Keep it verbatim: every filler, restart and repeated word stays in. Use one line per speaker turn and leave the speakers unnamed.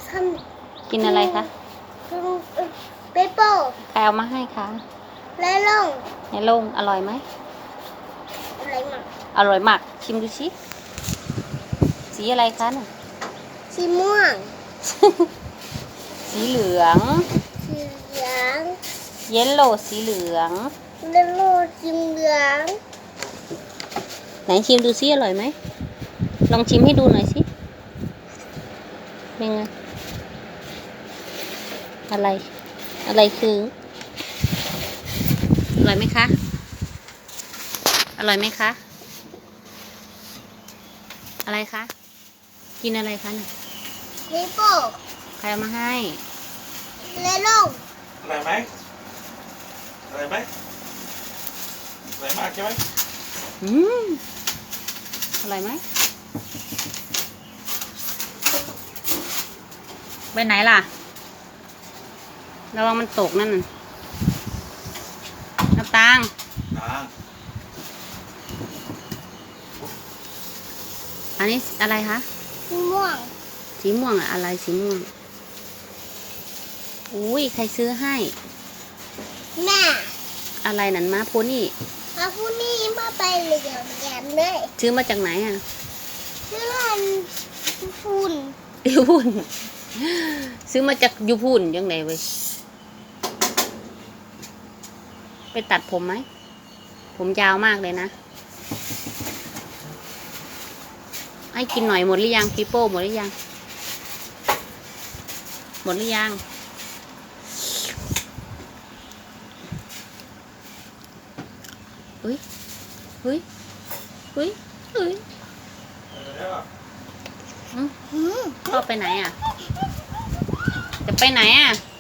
ทำ
กินอะไรคะ
เปเปอร์
ใครเอามาให้คะ
และลง
ในโลงอร่อยไหม
อะไรมา
อร่อยมากชิมดูชิสีอะไรคะน่ะ
สีม่วง
สีเหลือง
สีเหลือง
เยลโล่สีเหลือง
และโลสีเหลือง
ไหนชิมดูซิอร่อยไหมลองชิมให้ดูหน่อยสิเป็นไงอะไรอะไรคืออร่อยไหมคะอร่อยไหมคะอะไรคะกินอะไรคะเนี่ย
เปเปอร์
ใครเอามาให้
และลง
อะไรไหมอะไรไหมอะไรมากใช่ไหม
อืมอร่อยไหมไปไหนล่ะระวังมันตกนั่นน่ะน้ำตาล
อ่า
อันนี้อะไรคะ
สีม่วง
สีม่วงอะอะไรสีม่วงอุ้ยใครซื้อให้
แม่
อะไรนั่นมาโพนี่
เอาผู้นี้มาไปเหลืองแกมเลย
ซื้อมาจากไหนอ่ะ
เชื่อนฝุ่น
ยูพูนซื้อมาจากยูพูนยังไงเว้ยไปตัดผมไหมผมยาวมากเลยนะให้กินหน่อยหมดหรือยังปีโป้หมดหรือยังหมดหรือยังเฮ้ยเฮ้ยเฮ้ยเฮ้ย
เดี๋ยว
อืม
หืม
พ่อไปไหนอ่ะ จะไปไหนอ่ะ